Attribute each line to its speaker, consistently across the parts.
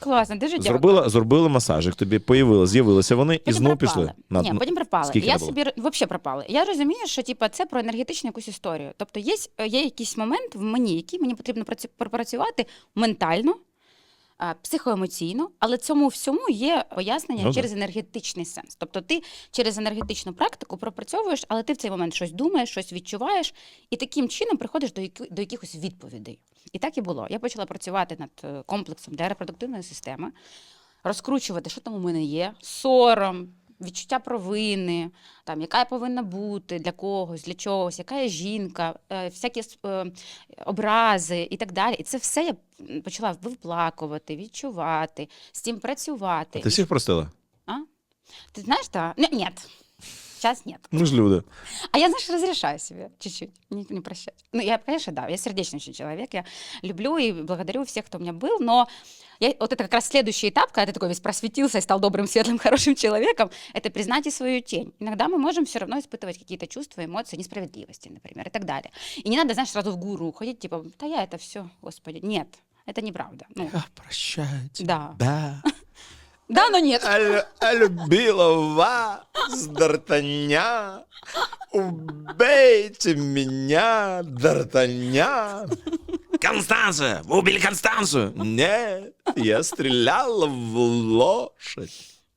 Speaker 1: Класно, дуже дякую.
Speaker 2: Зробили масажик, тобі з'явилися вони і знову пішли.
Speaker 1: Ні, потім пропали.
Speaker 2: Скільки
Speaker 1: Я
Speaker 2: було?
Speaker 1: собі взагалі пропали. Я розумію, що типу, це про енергетичну якусь історію. Тобто є якийсь момент в мені, який мені потрібно пропрацювати ментально, психоемоційно, але цьому всьому є пояснення через енергетичний сенс. Тобто ти через енергетичну практику пропрацьовуєш, але ти в цей момент щось думаєш, щось відчуваєш, і таким чином приходиш до якихось відповідей. І так і було. Я почала працювати над комплексом для репродуктивної системи, розкручувати, що там у мене є, сором, відчуття провини, там, яка я повинна бути для когось, для чогось, яка я жінка, всякі образи і так далі. І це все я почала виплакувати, відчувати, з цим працювати.
Speaker 2: Ти всіх простила?
Speaker 1: А? Ты знаешь, что? Нет. Сейчас нет.
Speaker 2: Ми ж люди.
Speaker 1: А я, знаешь, разрешаю себе чуть-чуть не прощать. Ну, я, конечно, да, я сердечный очень человек, я люблю и благодарю всех, кто у меня был, но вот это как раз следующий этап, когда ты такой весь просветился и стал добрым, светлым, хорошим человеком, это признать и свою тень. Иногда мы можем все равно испытывать какие-то чувства, эмоции, несправедливости, например, и так далее. И не надо, знаешь, сразу в гуру уходить, типа, да я это все, Господи. Нет, это неправда. Ну,
Speaker 2: Я прощаю тебя.
Speaker 1: Да.
Speaker 2: Да.
Speaker 1: Да, но нет.
Speaker 2: А любила вас, Д'Артаньян. Убейте меня, Д'Артаньян. Констанция! Вы убили Констанцию! Нет, я стреляла в лошадь.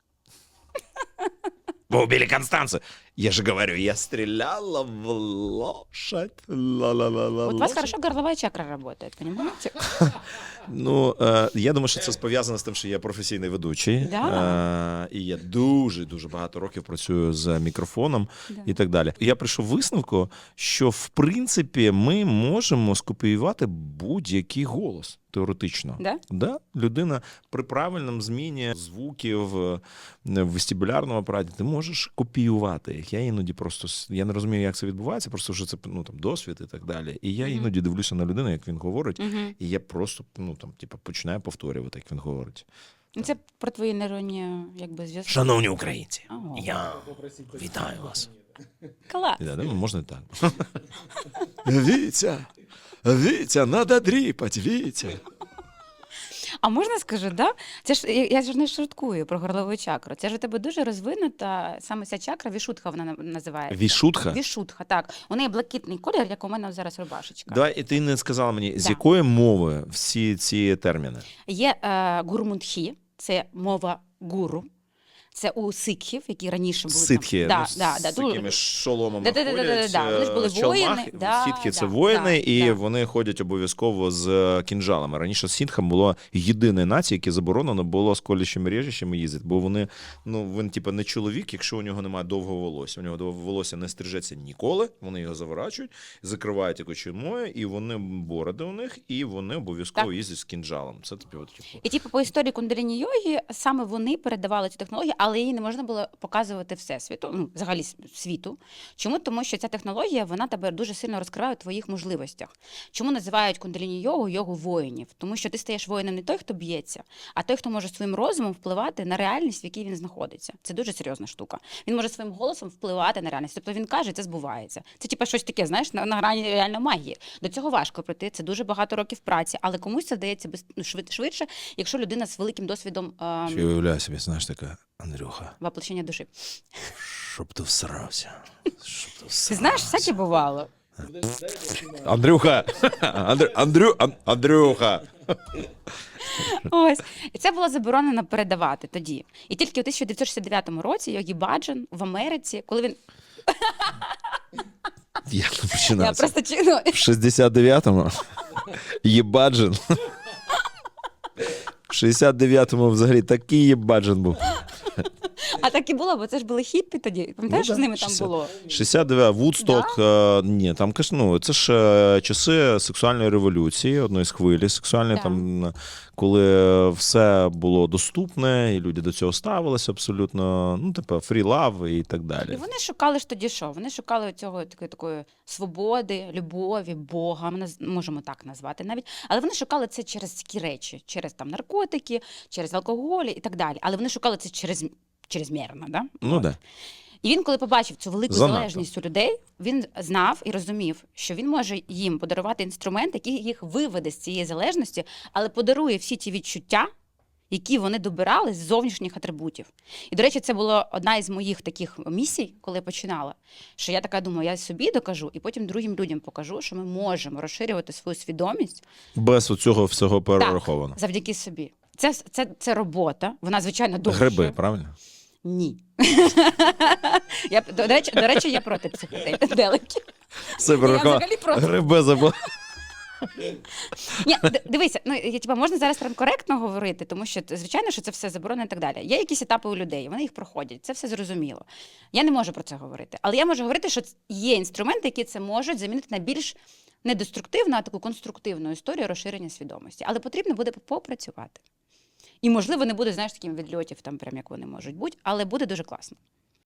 Speaker 2: Вы убили Констанцию. Я же говорю, я стреляла в лошадь. Ла-ла-ла-ла.
Speaker 1: Вот у вас хорошо горловая чакра работает, понимаете?
Speaker 2: Ну, я думаю, що це пов'язано з тим, що я професійний ведучий.
Speaker 1: Да.
Speaker 2: І я дуже багато років працюю з мікрофоном і так далі. Я прийшов висновку, що, в принципі, ми можемо скопіювати будь-який голос. Теоретично.
Speaker 1: Да?
Speaker 2: Да? Людина при правильному зміні звуків в вестибулярному апараті, ти можеш копіювати їх. Я іноді просто, я не розумію, як це відбувається, просто що це там, досвід і так далі. І я іноді дивлюся на людину, як він говорить, і я просто починаю повторювати, як він говорить.
Speaker 1: Це про твої нейронні зв'язки.
Speaker 2: Шановні українці,
Speaker 1: Ого.
Speaker 2: я вітаю вас.
Speaker 1: Клас.
Speaker 2: Да, можна і так. Вітя, надо дріпать, Вітя.
Speaker 1: А можна скажу, да? Це ж я ж не шуткую про горлову чакру. Це ж у тебе дуже розвинута саме ця чакра, вішутха вона називається.
Speaker 2: Вішутха?
Speaker 1: Вішутха, так. У неї блакитний колір, як у мене зараз рубашечка.
Speaker 2: Давай, і ти не сказала мені, з
Speaker 1: Да.
Speaker 2: якої мови всі ці терміни?
Speaker 1: Є гурмунтхі, це мова гуру. Це у сикхів, які раніше були
Speaker 2: Ситхи,
Speaker 1: там.
Speaker 2: з такими шоломами
Speaker 1: Да.
Speaker 2: ходять,
Speaker 1: Вони ж були воїни.
Speaker 2: ситхи – це воїни, і вони ходять обов'язково з кінжалами. Раніше ситхам було єдине нація, яке заборонено було з колючими режищами їздити, бо вони, він не чоловік, якщо у нього немає довгого волосся. У нього довге волосся не стрижеться ніколи, вони його заворачують, закривають якою чумою, і вони бороди у них, і вони обов'язково їздять з кінжалом. Це
Speaker 1: І по історії кундаліні-йоги саме вони передавали цю технологію, але її не можна було показувати всесвіту, взагалі світу. Чому? Тому що ця технологія, вона тебе дуже сильно розкриває у твоїх можливостях. Чому називають кундаліні-йогу йогу воїнів? Тому що ти стаєш воїном не той, хто б'ється, а той, хто може своїм розумом впливати на реальність, в якій він знаходиться. Це дуже серйозна штука. Він може своїм голосом впливати на реальність. Тобто він каже, це збувається. Це щось таке, знаєш, на грані реально магії. До цього важко прийти, це дуже багато років праці, але комусь це вдається швидше, якщо людина з великим досвідом...
Speaker 2: Я уявляю собі, знаєш, така, Андрюха.
Speaker 1: Воплощення душі.
Speaker 2: Щоб ти всрався.
Speaker 1: Ти знаєш, всяке бувало.
Speaker 2: Андрюха! Андрюха!
Speaker 1: Ось. І це було заборонено передавати тоді. І тільки у 1969 році Йогі Баджан в Америці, коли він...
Speaker 2: Як не
Speaker 1: Я
Speaker 2: починався?
Speaker 1: просто чину.
Speaker 2: В 69-му Єбаджин. В 69-му взагалі такий Єбаджин був.
Speaker 1: А так і було, бо це ж були хіппі тоді. Пам'ятаєш, що з ними там було?
Speaker 2: 69, Вудсток, ні, там, це ж часи сексуальної революції, одної з хвилі сексуальної, там, коли все було доступне, і люди до цього ставилися абсолютно, free love і так далі.
Speaker 1: І вони шукали ж тоді що? Вони шукали цього такої свободи, любові, Бога, ми можемо так назвати навіть. Але вони шукали це через такі речі, через там наркотики, через алкоголь і так далі. Але вони шукали це чрезмірно, да?
Speaker 2: Да.
Speaker 1: І він, коли побачив цю велику
Speaker 2: Занадто.
Speaker 1: залежність у людей, він знав і розумів, що він може їм подарувати інструмент, який їх виведе з цієї залежності, але подарує всі ті відчуття, які вони добирали з зовнішніх атрибутів. І, до речі, це була одна із моїх таких місій, коли я починала, що я така думаю, я собі докажу, і потім другим людям покажу, що ми можемо розширювати свою свідомість
Speaker 2: Без оцього всього перераховано.
Speaker 1: так, завдяки собі. Це робота, вона, звичайно, довша.
Speaker 2: Гриби, правильно?
Speaker 1: Ні. До речі, я проти психоделиків.
Speaker 2: Все
Speaker 1: Я
Speaker 2: перераховано.
Speaker 1: взагалі проти.
Speaker 2: Гриби забув.
Speaker 1: Ні, дивися, можна зараз прям коректно говорити, тому що, звичайно, що це все заборонено і так далі. Є якісь етапи у людей, вони їх проходять, це все зрозуміло. Я не можу про це говорити. Але я можу говорити, що є інструменти, які це можуть замінити на більш не деструктивну, а таку конструктивну історію розширення свідомості. Але потрібно буде попрацювати. І, можливо, не буде, знаєш, таким відльотів, там, прям як вони можуть бути, але буде дуже класно.